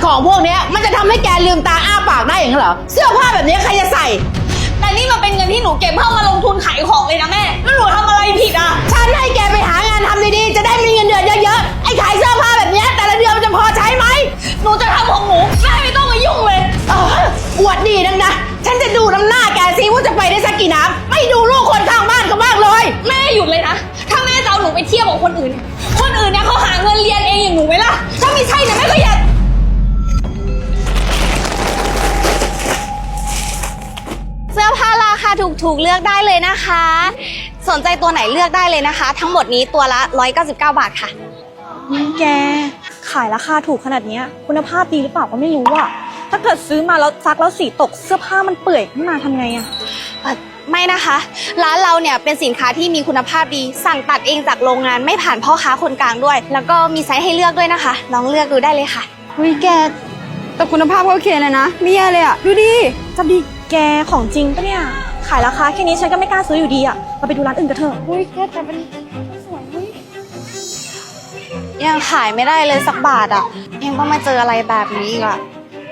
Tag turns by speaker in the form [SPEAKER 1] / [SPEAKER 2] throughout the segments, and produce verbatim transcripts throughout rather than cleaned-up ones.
[SPEAKER 1] ของพวกนี้มันจะทำให้แกลืมตาอ้าปากได้อย่างนั้นเหรอเสื้อผ้าแบบนี้ใครจะใส่
[SPEAKER 2] แต่นี่มันเป็นเงินที่หนูเก็บเพื่อมาลงทุนขายของเลยนะแม่แล้วหนูทำอะไรผิดอ่ะ
[SPEAKER 1] ฉันให้แกไปหางานทำดีๆจะได้มีเงินเดือนเยอะๆไอ้ขายเสื้อผ้าแบบนี้แต่ละเดือนมันจะพอใช้ไหม
[SPEAKER 2] หนูจะทำของหนูแม่ไม่ต้องมายุ่งเลย
[SPEAKER 1] เอออวดดีนักนะฉันจะดูน้ำหน้าแกซิว่าจะไปได้สักกี่น้ำไม่ดูลูกคนข้างบ้านเขาบ้างเลย
[SPEAKER 2] แม่หยุดเลยนะถ้าแม่จะเอาหนูไปเที่ยวกับคนอื่นคนอื่นเนี่ยเขาหาเงินเรียนเองอย่างหนูไหมล่ะถ้าไม่ใช่เนี่ยแม่ก็อย่าเสื้อผ้าราคาถูกๆเลือกได้เลยนะคะสนใจตัวไหนเลือกได้เลยนะคะทั้งหมดนี้ตัวละหนึ่งร้อยเก้าสิบเก้าบาทค่ะ
[SPEAKER 3] แกขายราคาถูกขนาดนี้คุณภาพดีหรือเปล่าก็ไม่รู้อะถ้าเกิดซื้อมาแล้วซักแล้วสีตกเสื้อผ้ามันเปื่อยขึ้นมาทำไงอะ
[SPEAKER 2] ไม่นะคะร้านเราเนี่ยเป็นสินค้าที่มีคุณภาพดีสั่งตัดเองจากโรงงานไม่ผ่านพ่อค้าคนกลางด้วยแล้วก็มีไซส์ให้เลือกด้วยนะคะลองเลือกดูได้เลยค่ะ
[SPEAKER 4] อุ้ยแกแต่คุณภาพก็โอเคเลยนะไม่แย่เลยอะดูดิ
[SPEAKER 3] จะดีแกของจริงปะเนี่ยขายราคาแค่นี้ฉันก็ไม่กล้าซื้ออยู่ดีอะเราไปดูร้านอื่นกันเถอะ
[SPEAKER 4] อุ้ยแกแต่เป็นสวยเฮ้ย
[SPEAKER 2] ยังขายไม่ได้เลยสักบาทอ่ะยังต้องมาเจออะไรแบบนี้อีกอ่ะ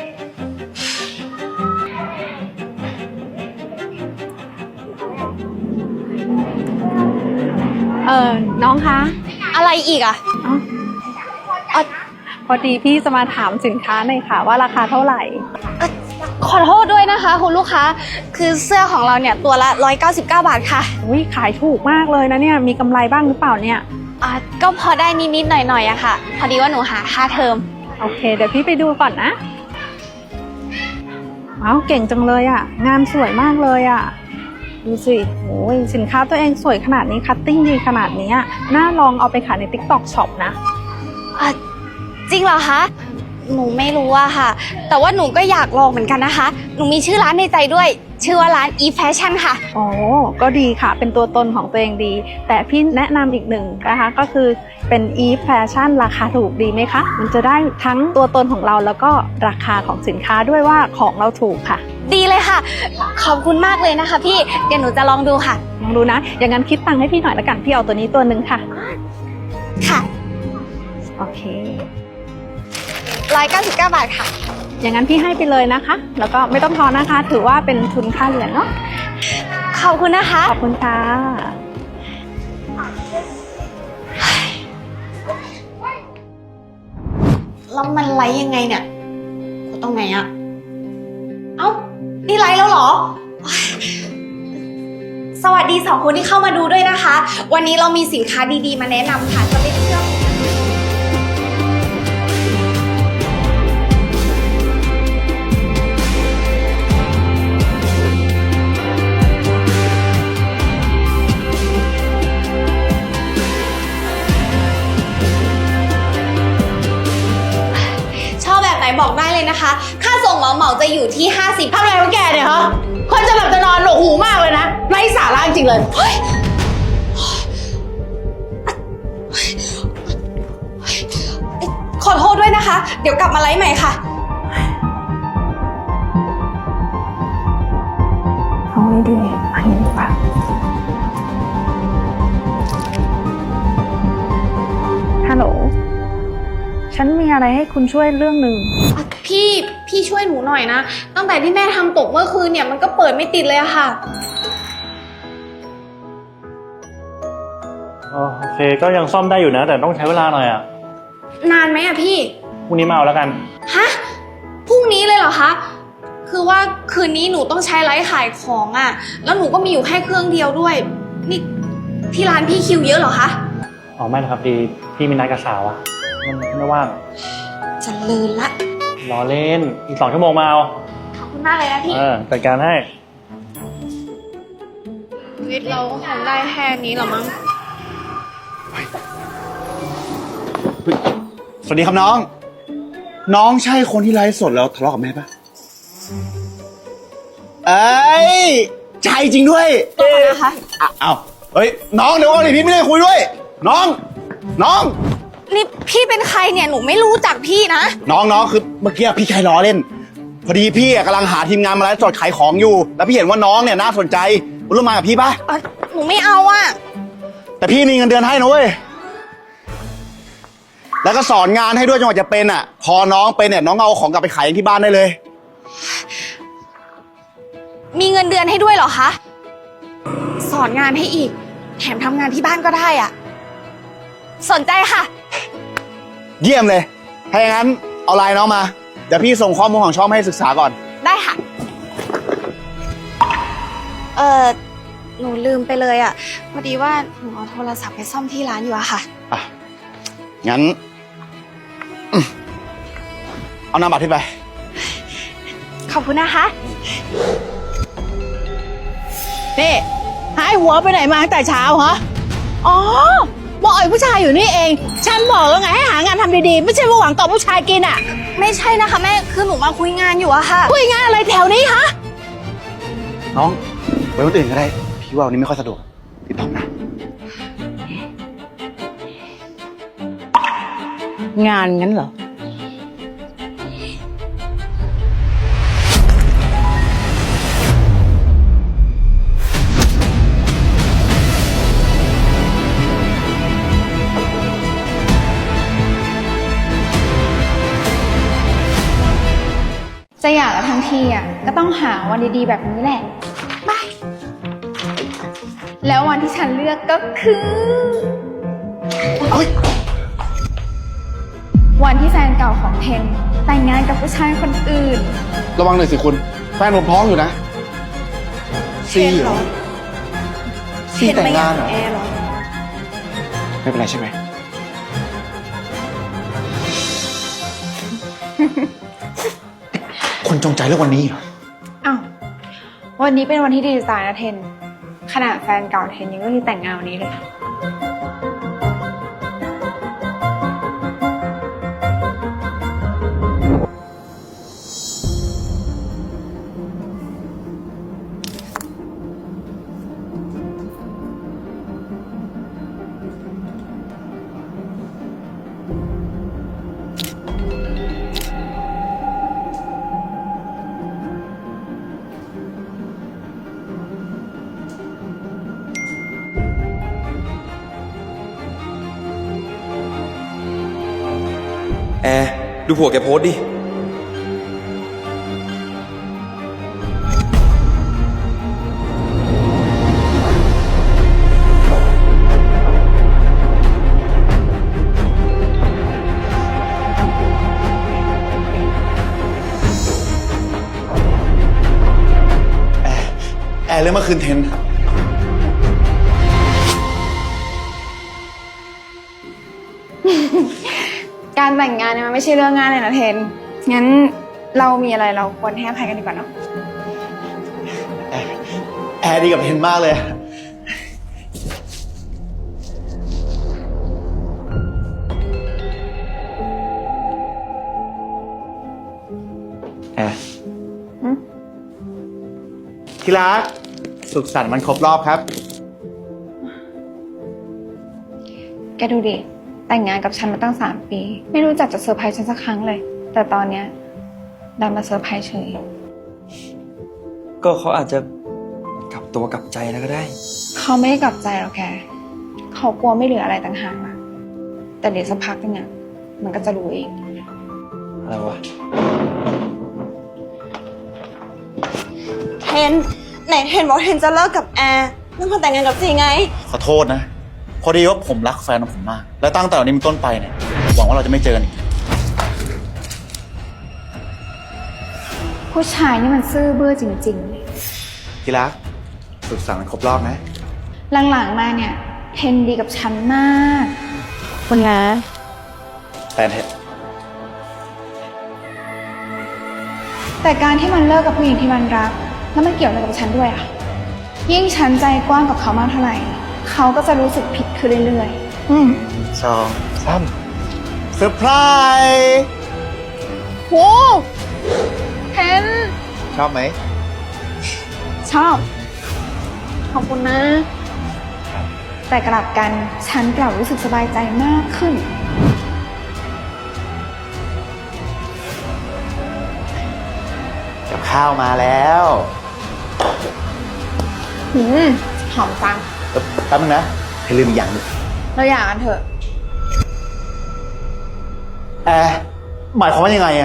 [SPEAKER 4] เออน้องคะ
[SPEAKER 2] อะไรอีกอ่ะ
[SPEAKER 4] อ๋อพอดีพี่จะมาถามสินค้าหน่อยค่ะว่าราคาเท่าไหร่
[SPEAKER 2] ขอโทษด้วยนะคะคุณลูกค้าคือเสื้อของเราเนี่ยตัวละหนึ่งร้อยเก้าสิบเก้าบาทค่ะ
[SPEAKER 4] อุ้ยขายถูกมากเลยนะเนี่ยมีกำไรบ้างหรือเปล่าเนี่ย
[SPEAKER 2] อ่ะก็พอได้นิดๆหน่อยๆอะค่ะพอดีว่าหนูหาค่าเทอม
[SPEAKER 4] โอเคเดี๋ยวพี่ไปดูก่อนนะว้าวเก่งจังเลยอะงานสวยมากเลยอะดูสิโอ้ยสินค้าตัวเองสวยขนาดนี้คัตติ้งดีขนาดนี้น่าลองเอาไปขายใน ติ๊กต็อก ช็อป นะ
[SPEAKER 2] อ่ะจริงเหรอคะหนูไม่รู้อะค่ะแต่ว่าหนูก็อยากลองเหมือนกันนะคะหนูมีชื่อร้านในใจด้วยชื่อว่าร้าน อี แฟชั่น ค่ะ
[SPEAKER 4] อ๋อก็ดีค่ะเป็นตัวตนของตัวเองดีแต่พี่แนะนำอีกหนึ่งนะคะก็คือเป็น อี แฟชั่น ราคาถูกดีไหมคะมันจะได้ทั้งตัวตนของเราแล้วก็ราคาของสินค้าด้วยว่าของเราถูกค่ะ
[SPEAKER 2] ดีเลยค่ะขอบคุณมากเลยนะคะพี่เดี๋ยวหนูจะลองดูค่ะ
[SPEAKER 4] ลองดูนะอย่างนั้นคิดตังค์ให้พี่หน่อยละกันพี่เอาตัวนี้ตัวหนึ่งค่ะ
[SPEAKER 2] ค่ะ
[SPEAKER 4] โอเค
[SPEAKER 2] หนึ่งร้อยเก้าสิบเก้าบาทค่ะ
[SPEAKER 4] อย่างนั้นพี่ให้ไปเลยนะคะแล้วก็ไม่ต้องทอนนะคะถือว่าเป็นทุนค่าเรียนเนาะ
[SPEAKER 2] ขอบคุณนะคะ
[SPEAKER 4] ขอบคุณค่ะ
[SPEAKER 2] แล้วมันไลฟ์ยังไงเนี่ยกดตรงไหนอะเอ้านี่ไลฟ์แล้วเหรอสวัสดีสองคนที่เข้ามาดูด้วยนะคะวันนี้เรามีสินค้าดีๆมาแนะนำค่ะจะไม่เชื่อบอกได้เลยนะคะค่าส่งเหมาเหมาจะอยู่ที่ห้าสิบ
[SPEAKER 1] ทำอะไรของแกเนี่ยฮะคนจะหลับจะนอนหนวกหูมากเลยนะไร้สาระจริงเลย
[SPEAKER 2] ขอโทษด้วยนะคะเดี๋ยวกลับมาไลฟ์ใหม่ค่ะ
[SPEAKER 4] เอาไว้ดีอันนี้ดีกว่าฮัลโหลฉันมีอะไรให้คุณช่วยเรื่องหนึ่ง
[SPEAKER 2] พี่พี่ช่วยหนูหน่อยนะตั้งแต่ที่แม่ทำตกเมื่อคืนเนี่ยมันก็เปิดไม่ติดเลยอะค่ะ
[SPEAKER 5] โอเคก็ยังซ่อมได้อยู่นะแต่ต้องใช้เวลาหน่อยอะ
[SPEAKER 2] นานไหมอะพี่
[SPEAKER 5] พรุ่งนี้มาเอาแล้วกัน
[SPEAKER 2] ฮะพรุ่งนี้เลยเหรอคะคือว่าคืนนี้หนูต้องใช้ไลฟ์ขายของอะแล้วหนูก็มีอยู่แค่เครื่องเดียวด้วยนี่ที่ร้านพี่คิวเยอะเหรอคะ
[SPEAKER 5] อ๋อไม่นะครับดีพี่มีนัดกับสาวอะไม่ว่าง
[SPEAKER 2] จะเลินละ
[SPEAKER 5] รอเล่นอีกสองชั่วโมงมาเอา
[SPEAKER 2] ขอบคุณมากเลยนะพี่
[SPEAKER 5] เออจัดการให้
[SPEAKER 2] ชีวิตเราก็คงได้แค่นี้หรอมั้ง
[SPEAKER 6] สวัสดีครับน้องน้องใช่คนที่ไลฟ์สดแล้วทะเลาะกับแม่ปะเอ้ยใช่จริงด้วย
[SPEAKER 2] เอ๊ะนะคะ
[SPEAKER 6] อ้าวเฮ้ยน้องเดี๋ยวก่อนดิพี่ไม่ได้คุยด้วยน้องน้อง
[SPEAKER 2] นี่พี่เป็นใครเนี่ยหนูไม่รู้จักพี่นะ
[SPEAKER 6] น้องน้องคือเมื่อกี้พี่แค่ล้อเล่นพอดีพี่กำลังหาทีมงานมาไลฟ์สดขายของอยู่แล้วพี่เห็นว่าน้องเนี่ยน่าสนใจคุณร่วมมากับพี่ปะ
[SPEAKER 2] หนูไม่เอาอะ
[SPEAKER 6] แต่พี่มีเงินเดือนให้นะเว้ยแล้วก็สอนงานให้ด้วยจนกว่าจะเป็นอ่ะ พอน้องเป็นเนี่ยน้องเอาของกลับไปขายเองที่บ้านได้เลย
[SPEAKER 2] มีเงินเดือนให้ด้วยเหรอคะ สอนงานให้อีก แถมทำงานที่บ้านก็ได้อะสนใจค่ะ
[SPEAKER 6] เยี่ยมเลย ถ้าอย่างนั้นเอาไลน์น้องมา เดี๋ยวพี่ส่งข้อมูลของช่องให้ศึกษาก่อน
[SPEAKER 2] ได้ค่ะ เออหนูลืมไปเลยอะพอดีว่าหนูเอาโทรศัพท์ไปซ่อมที่ร้านอยู่อะค่ะ
[SPEAKER 6] อ่ะ งั้นอืมเอานามบัตรพี่ไป
[SPEAKER 2] ขอบคุณนะคะ
[SPEAKER 1] นี่หายหัวไปไหนมาตั้งแต่เช้าฮะอ๋อมาอ่อยผู้ชายอยู่นี่เอง ฉันบอกแล้วไงให้หางานทำดีๆ ไม่ใช่ว่าหวังต่อผู้ชายกินอ่ะ
[SPEAKER 2] ไม่ใช่นะคะแม่ คือหนูมาคุยงานอยู่อะค่ะ
[SPEAKER 1] คุยงานอะไรแถวนี้ฮะ
[SPEAKER 6] น้องไว้วันอื่นก็ได้ พี่ว่าวันนี้ไม่ค่อยสะดวกติดต่อนะ
[SPEAKER 1] งานงั้นเหรอ
[SPEAKER 2] จะอยากกันทั้งทีอ่ะก็ต้องหาวันดีๆแบบนี้แหละไปแล้ววันที่ฉันเลือกก็คือ วันที่แฟนเก่าของเทนแต่งงานกับผู้ชายคนอื่น
[SPEAKER 6] ระวังหน่อยสิคุณ แฟนผมท้องอยู่นะซีเหรอซีแต่งงานเหรอ ไม่เป็นไรใช่ไหม คนจงใจเลือกวันนี้เหรอ
[SPEAKER 2] อ้าววันนี้เป็นวันที่ดีจะตายนะเทนขนาดแฟนเก่าเทนยังเลือกที่แต่งงานวันนี้เลย
[SPEAKER 7] แอร์ดูผัวแกโพสต์ดิ
[SPEAKER 6] แอร์เรื่องเมื่อคืนเทน
[SPEAKER 2] การแต่งงานเนี่ยมันไม่ใช่เรื่องง่ายเลยนะเทน งั้นเรามีอะไรเราควรให้อภัยกันดีกว่าเนาะ
[SPEAKER 6] แอร์แอร์ดีกับเทนมากเลย แอร์ที่รัก สุขสันต์วันครบรอบครับ
[SPEAKER 2] แกดูดิ แต่งงานกับฉันมาตั้งสามปี ไม่รู้จักจะเซอร์ไพรส์ฉันสักครั้งเลย แต่ตอนเนี้ยดันมาเซอร์ไพรส์เฉย
[SPEAKER 7] ก็เขาอาจจะกลับตัวกลับใจแล้วก็ได้
[SPEAKER 2] เขาไม่ได้กลับใจหรอกแก เขากลัวไม่เหลืออะไรต่างหากอะแต่เดี๋ยวสักพักนึงอะมันก็จะรู้เอง
[SPEAKER 7] อะไรวะ
[SPEAKER 3] เทนไหนเทนบอกเทนจะเลิกกับแอร์แล้วมาแต่งงานกับจีไง
[SPEAKER 6] ขอโทษนะ พอดีว่าผมรักแฟนของผมมาก และตั้งแต่วันนี้เป็นต้นไปเนี่ย หวังว่าเราจะไม่เจอกันอีก
[SPEAKER 2] ผู้ชายนี่มันซื่อเบื้อจริงๆเลย
[SPEAKER 6] ที่รัก สุขสันต์วันครบรอบนะ
[SPEAKER 2] หลังๆมาเนี่ยเทนดีกับฉันมาก
[SPEAKER 3] คุณนะ
[SPEAKER 6] แฟนเถอะ
[SPEAKER 2] แต่การที่มันเลิกกับผู้หญิงที่มันรัก แล้วมันเกี่ยวอะไรกับฉันด้วยอะยิ่งฉันใจกว้างกับเขามากเท่าไหร่เขาก็จะรู้สึกผิดขึ้นเรื่อยๆ อืม
[SPEAKER 6] สองสามเซอร์ไพรส์
[SPEAKER 2] โหเทน
[SPEAKER 6] ชอบไหม
[SPEAKER 2] ชอบ ขอบคุณนะ แต่กลับกันฉันกลับรู้สึกสบายใจมากขึ้น
[SPEAKER 6] กับข้าวมาแล้ว
[SPEAKER 2] หืม หอมจัง
[SPEAKER 6] เออแป๊บนึงนะให้ลืมอีกอย่างหนึง
[SPEAKER 2] เราอยากกันเถอะ
[SPEAKER 6] แอร์หมายความว่ายังไงอะ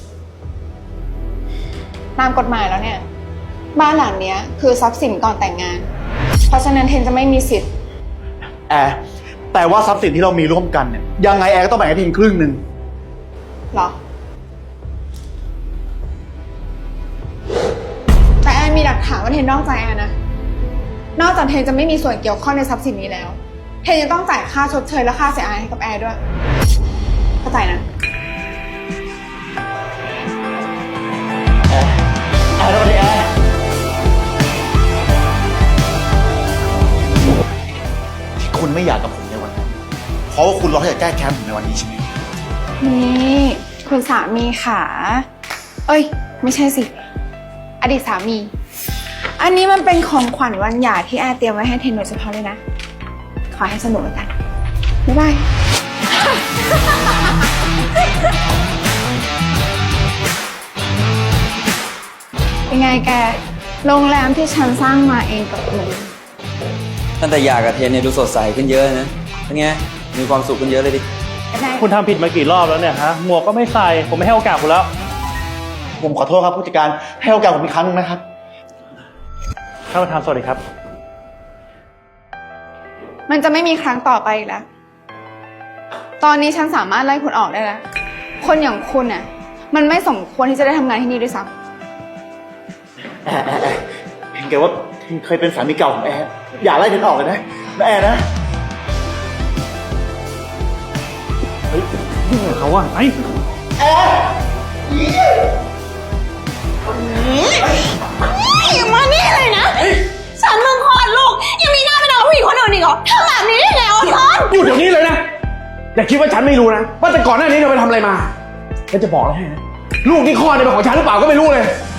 [SPEAKER 2] ตามกฎหมายแล้วเนี่ย บ้านหลังเนี้ยคือทรัพย์สินก่อนแต่งงาน เพราะฉะนั้นเทนจะไม่มีสิทธิ์
[SPEAKER 6] แอร์แต่ว่าทรัพย์สินที่เรามีร่วมกันเนี่ยยังไงแอร์ก็ต้องแบ่งให้เทนครึ่งหนึ่ง
[SPEAKER 2] หรอ แต่แอนมีหลักฐานว่าเทนนอกใจแอนนะ นอกจากเทนจะไม่มีส่วนเกี่ยวข้องในทรัพย์สินนี้แล้ว เทนยังต้องจ่ายค่าชดเชยและค่าเสียหายให้กับแอร์ด้วย เข้าใจนะ
[SPEAKER 6] แอร์แอร์แล้วดิแอร์ที่คุณไม่อยากกับผมในวันนั้นเพราะว่าคุณรอให้จะแก้แค้นผมในวันนี้ใช่ไหม
[SPEAKER 2] นี่คุณสามีค่ะ เอ้ย ไม่ใช่สิ อดีตสามี อันนี้มันเป็นของขวัญวันหย่าที่แอร์เตรียมไว้ให้เทนโดยเฉพาะเลยนะ ขอให้สนุกแล้วกัน บ๊ายบาย เป็นไงแก โรงแรมที่ฉันสร้างมาเองกับมือ
[SPEAKER 7] ตั้งแต่อยากกับเทนเนี่ยดูสดใสขึ้นเยอะนะเป็นไง มีความสุขขึ้นเยอะเลยดิ
[SPEAKER 5] คุณทำผิดมากี่รอบแล้วเนี่ยฮะ หมวกก็ไม่ใส่ ผมไม่ให้โอกาสคุณแล้ว
[SPEAKER 6] ผมขอโทษครับผู้จัดการให้โอกาสผมอีกครั้งหนึงนะครับ
[SPEAKER 5] ท่านประธานสวัสดีครับ
[SPEAKER 2] มันจะไม่มีครั้งต่อไปอีกแล้ว ตอนนี้ฉันสามารถไล่คุณออกได้แล้ว คนอย่างคุณน่ะ มันไม่สมควรที่จะได้ทำงานที่นี่ด้วยซ้ำ
[SPEAKER 6] แอร์แอร์แอร์เห็นแกว่าเทนเคยเป็นสามีเก่าของแอร์อย่าไล่เทนออกเลยนะนะแอร์นะ
[SPEAKER 5] เฮ้ยยุ่งกับเขาอ่ะไอ้
[SPEAKER 1] มานี่เลยนะ ฉันมึงคลอดลูก ยังมีหน้าไปนอนกับผู้หญิงคนอื่นอีกเหรอทำแบบนี้ได้ไงออนทอน
[SPEAKER 8] อยู่เดี๋ยวนี้เลยนะ อย่าคิดว่าฉันไม่รู้นะ ว่าแต่ก่อนหน้านี้เธอไปทำอะไรมาฉันจะบอกเลยให้นะ ลูกที่คลอดเนี่ยเป็นของฉันหรือเปล่าก็ไม่รู้เลย